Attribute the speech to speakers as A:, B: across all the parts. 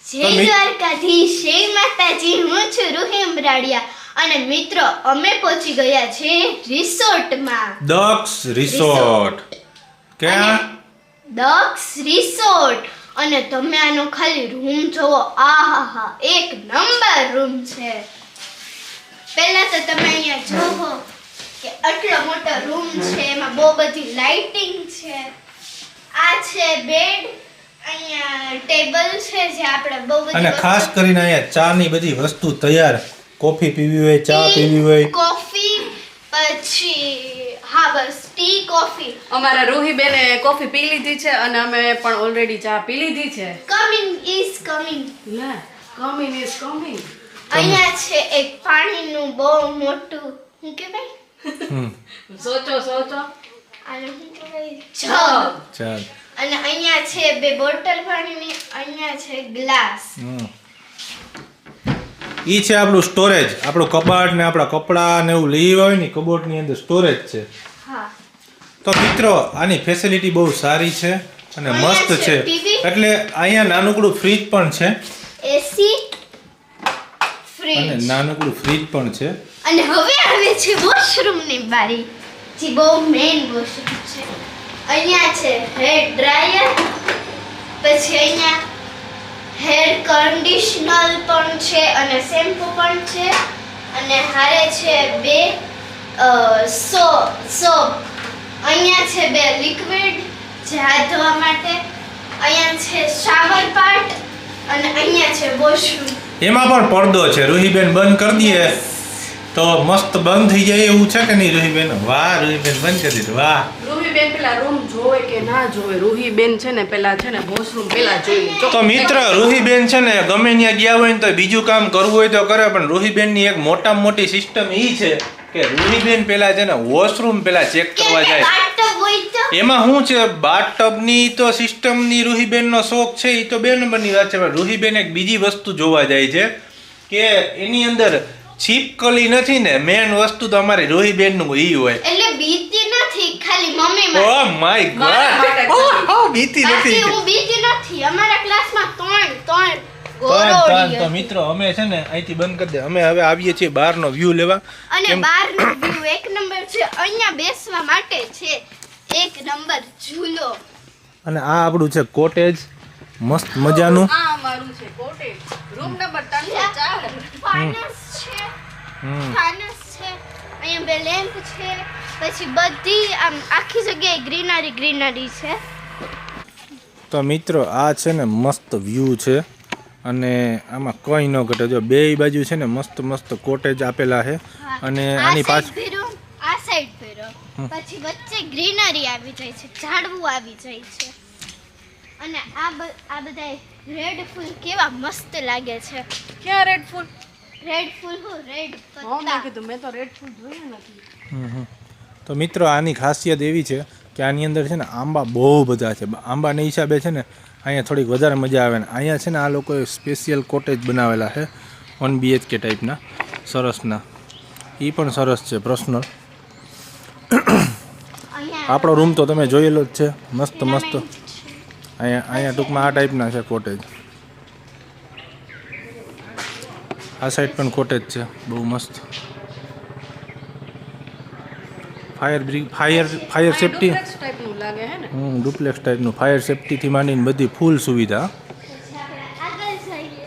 A: જય દ્વારકાધીશ, જય માતાજી. હું છું રૂહી ઉમરાડિયા અને મિત્રો અમે પહોંચી ગયા છે રિસોર્ટમાં.
B: દક્ષ રિસોર્ટ. ક્યાં?
A: દક્ષ રિસોર્ટ. અને તમે આનો ખાલી રૂમ જોવો. આહાહા, એક નંબર રૂમ છે. પહેલા તો તમે અહીંયા જોવો કે આટલો મોટો રૂમ છે, એમાં બહુ બધી લાઇટિંગ છે. આ છે બેડ, અહીંયા ટેબલ છે જે આપણે બહુ બધી
B: અને ખાસ કરીને અહીંયા ચા ની બધી વસ્તુ તૈયાર. કોફી પીવી હોય, ચા પીવી હોય,
A: કોફી, પછી હા બસ ટી કોફી.
C: અમારા રૂહીબેને કોફી પી લીધી છે અને અમે પણ ઓલરેડી ચા પી લીધી છે.
A: Coming is coming.
C: લે, કમિંગ ઇઝ કમિંગ.
A: અહીંયા છે એક પાણીનું બહુ મોટું, શું કહેવાય?
C: સોચો
A: આને શું કહેવાય? જગ.
B: ચાલ.
A: અને અહીંયા છે બે બોટલ પાણીની, અહીંયા છે ગ્લાસ.
B: ઈ છે આપણું સ્ટોરેજ. આપણું કબાટ ને આપણા કપડાં ને એવું લઈ હોય ને કબોર્ડ ની અંદર સ્ટોરેજ છે.
A: હા.
B: તો મિત્રો આની ફેસિલિટી બહુ સારી છે અને મસ્ત છે. એટલે અહીંયા નાનકડું ફ્રીજ પણ છે.
A: એસી,
B: અને
A: ફ્રીજ
B: નાનકડું ફ્રીજ પણ છે.
A: અને હવે આવે છે વોશરૂમ ની બારી, જે બહુ મેઇન વોશરૂમ છે. અહીંયા છે હેર ડ્રાયર, પછી અહીંયા હેર કન્ડિશનર પણ છે અને શેમ્પૂ પણ છે. અને હારે છે બે સોપ. અહીંયા છે બે લિક્વિડ જે હાથ ધોવા માટે. અહીંયા છે શાવર પાર્ટ અને અહીંયા છે વોશરૂમ.
B: એમાં પણ પડદો છે. રૂહીબેન બંધ કરી દઈએ તો મસ્ત બંધ થઈ જાય એવું છે કે નહીં રૂહીબેન? વાહ રૂહીબેન, બંધ કરી દીધું. વાહ.
C: રૂહીબેન પેલા રૂમ જોવે કે ના જોવે? રૂહીબેન છે ને પેલા છે ને વોશરૂમ પેલા જોઈએ.
B: તો મિત્ર રૂહીબેન છે ને ગમે ત્યાં ગયા હોય ને તો બીજું કામ કરવું હોય તો કરે, પણ રૂહીબેન ની એક મોટામાં મોટી સિસ્ટમ ઈ છે કે રૂહીબેન પેલા છે ને વોશરૂમ પેલા ચેક કરવા જાય.
A: બાથટબ હોય તો
B: એમાં શું છે, બાથટબ ની તો સિસ્ટમ ની રૂહીબેન નો શોખ છે, એ તો બે નંબરની વાત છે. પણ રૂહીબેન એક બીજી વસ્તુ જોવા જાય છે કે એની અંદર છીપકલી નથી ને, મેન વસ્તુ તો અમારી રૂહીબેન નું ઈ હોય.
A: એટલે બીતી નથી, ખાલી મમ્મી
B: ઓ માય ગોડ, બીતી નથી.
A: હું બીતી નથી. અમારા ક્લાસમાં ત્રણ
B: તો
A: ગોરોડી
B: મિત્રો અમે છે ને અહીંથી બંધ કરી દે. અમે હવે આવીએ છીએ બહારનો વ્યૂ લેવા.
A: અને બહારનો વ્યૂ એક નંબર છે. અહીંયા બેસવા માટે છે એક નંબર ઝૂલો.
B: અને આ આપણું છે કોટેજ, મસ્ત મજાનું.
C: આ અમારું છે કોટેજ, રૂમ નંબર 304.
A: ફાનસ છે, ફાનસ છે. અહીંયા બે લેમ્પ છે. પછી બધી આમ આખી જગ્યાએ ગ્રીનરી છે.
B: તો મિત્રો આ છે ને મસ્ત વ્યૂ છે અને આમાં કંઈ ન ઘટે. જો બે બાજુ છે ને મસ્ત મસ્ત કોટેજ આપેલા છે. અને આની પાછળ
A: આ સાઈડ ફેરો, પછી વચ્ચે ગ્રીનરી આવી જાય છે, ઝાડવું આવી જાય છે. અને આ બધા રેડ ફૂલ કેવા મસ્ત લાગે છે.
C: ક્યાં રેડ ફૂલ?
A: રેડ ફૂલ હું રેડ
C: હા મેં
A: પત્તા.
C: કીધું મેં તો રેડ ફૂલ જોયા નથી.
B: તો મિત્રો આની ખાસિયત એવી છે કે આની અંદર છે ને આંબા બહુ બધા છે. આંબાના હિસાબે છે ને અહીંયા થોડીક વધારે મજા આવે ને. અહીંયા છે ને આ લોકોએ સ્પેશિયલ કોટેજ બનાવેલા છે 1 BHK ટાઈપના, સરસના. એ પણ સરસ છે, પર્સનલ.
A: અહીંયા
B: આપણો રૂમ તો તમે જોયેલો જ છે, મસ્ત મસ્ત. અહીંયા ટૂંકમાં આ ટાઈપના છે કોટેજ. આ સાઈડ પણ કોટેજ છે, બહુ મસ્ત. ફાયર સેફટી,
C: ડુપ્લેક્સ ટાઈપનું લાગે હે ને?
B: ડુપ્લેક્સ ટાઈપનું. ફાયર સેફટીથી માંડીને બધી ફૂલ સુવિધા.
A: આગળ જઈએ.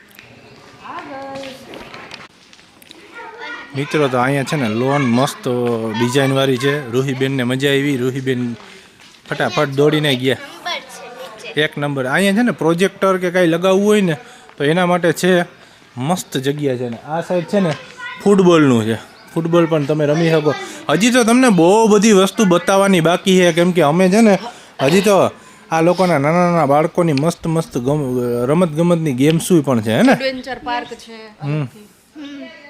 B: મિત્રો તો અહીંયા છે ને લોન મસ્ત ડિઝાઇનવાળી છે. રૂહીબેનને મજા આવી. રૂહીબેન ફટાફટ દોડીને ગયા.
A: નંબર છે નીચે.
B: એક નંબર. અહીંયા છે ને પ્રોજેક્ટર કે કાંઈ લગાવવું હોય ને તો એના માટે છે, મસ્ત જગ્યા છે. ને આ સાઈડ છે ને ફૂટબોલનું છે. ફૂટબોલ પણ તમે રમી શકો. હજી તો તમને બહુ બધી વસ્તુ બતાવવાની બાકી છે, કેમ કે અમે છે ને હજી તો આ લોકોના નાના નાના બાળકોની મસ્ત મસ્ત રમત ગમતની ગેમ્સ પણ છે હે ને.
C: એડવેન્ચર પાર્ક છે.